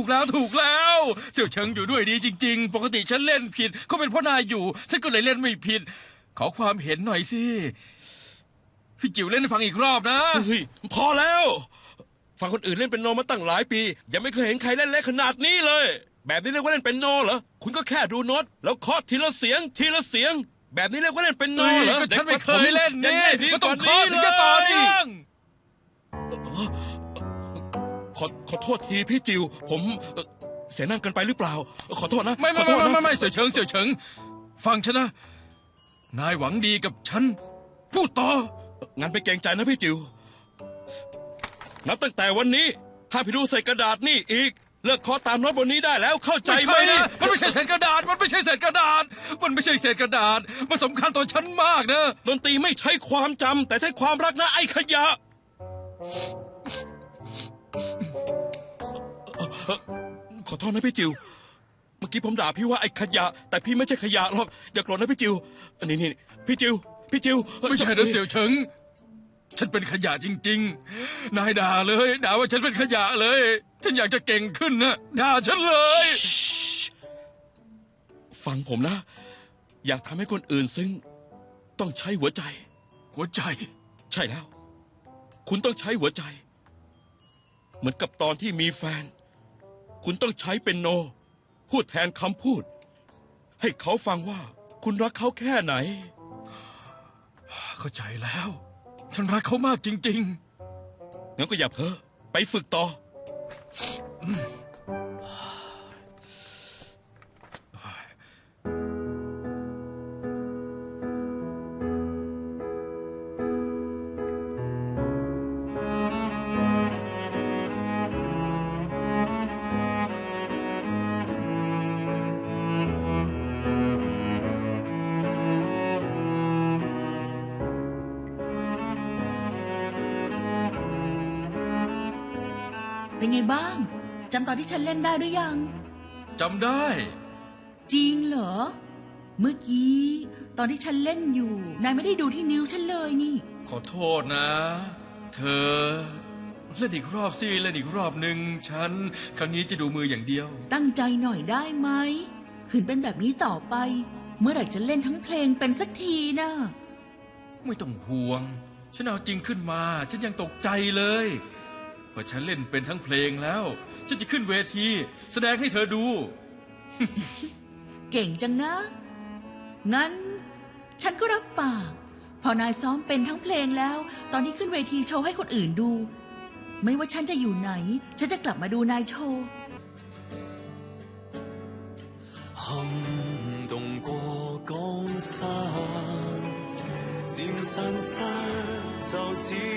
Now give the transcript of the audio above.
แล้วเสี่ยวเฉิงอยู่ด้วยดีจริงๆปกติฉันเล่นผิดเขาเป็นเพราะนายอยู่ฉันก็เลยเล่นไม่ผิดขอความเห็นหน่อยสิพี่จิ๋วเล่นให้ฟังอีกรอบนะเฮ้ยพอแล้วฟังคนอื่นเล่นเป็นโนมาตั้งหลายปียังไม่เคยเห็นใครเล่นเละขนาดนี้เลยแบบนี้เรียกว่าเล่นเป็นโนเหรอคุณก็แค่ดูโน้ตแล้วเคาะทีละเสียงทีละเสียงแบบนี้เรียกว่าเล่นเป็นโนเหรอก็ฉันไม่เคยเล่นนี่ก็ต้องเคาะถึงจะต่อเนื่องขอโทษทีพี่จิวผมเสียนั่งกันไปหรือเปล่าขอโทษนะไม่เสี่ยวเฉิงฟังฉันนะนายหวังดีกับฉันพูดต่องั้นไปเกรงใจนะพี่จิวนับตั้งแต่วันนี้ห้ามพี่ดูใส่กระดาษนี่อีกเลิกเคาะตามโน้ตบนนี้ได้แล้วเข้าใจไหมนะมันไม่ใช่เศษกระดาษมันไม่ใช่เศษกระดาษมันสำคัญต่อฉันมากนะดนตรีไม่ใช่ความจำแต่ใช่ความรักนะไอ้ขยะขอโทษนะพี่จิวเมื่อกี้ผมด่าพี่ว่าไอ้ขยะแต่พี่ไม่ใช่ขยะหรอกอย่าโกรธนะพี่จิวนี่พี่จิวไม่ใช่นะเสี่ยวเฉิงฉันเป็นขยะจริงๆนายด่าว่าฉันเป็นขยะเลยฉันอยากจะเก่งขึ้นนะด่าฉันเลยฟังผมนะอยากทำให้คนอื่นซึ้งต้องใช้หัวใจใช่แล้วคุณต้องใช้หัวใจเหมือนกับตอนที่มีแฟนคุณต้องใช้เป็นโนพูดแทนคำพูดให้เขาฟังว่าคุณรักเขาแค่ไหนเข้าใจแล้วฉันรักเขามากจริงๆงั้นก็อย่าเพ้อไปฝึกต่อเป็นไงบ้างจำตอนที่ฉันเล่นได้หรือยังจำได้จริงเหรอเมื่อกี้ตอนที่ฉันเล่นอยู่นายไม่ได้ดูที่นิ้วฉันเลยนี่ขอโทษนะเธอเล่นอีกรอบสิเล่นอีกรอบหนึ่งฉันครั้งนี้จะดูมืออย่างเดียวตั้งใจหน่อยได้ไหมขืนเป็นแบบนี้ต่อไปเมื่อไหร่จะเล่นทั้งเพลงเป็นสักทีนะไม่ต้องห่วงฉันเอาจริงขึ้นมาฉันยังตกใจเลยพอฉันเล่นเป็นทั้งเพลงแล้วฉันจะขึ้นเวทีแสดงให้เธอดูเก่งจังนะงั้นฉันก็รับปากพอนายซ้อมเป็นทั้งเพลงแล้วตอนนี้ขึ้นเวทีโชว์ให้คนอื่นดูไม่ว่าฉันจะอยู่ไหนฉันจะกลับมาดูนายโชว์撼動過江山漸散失就似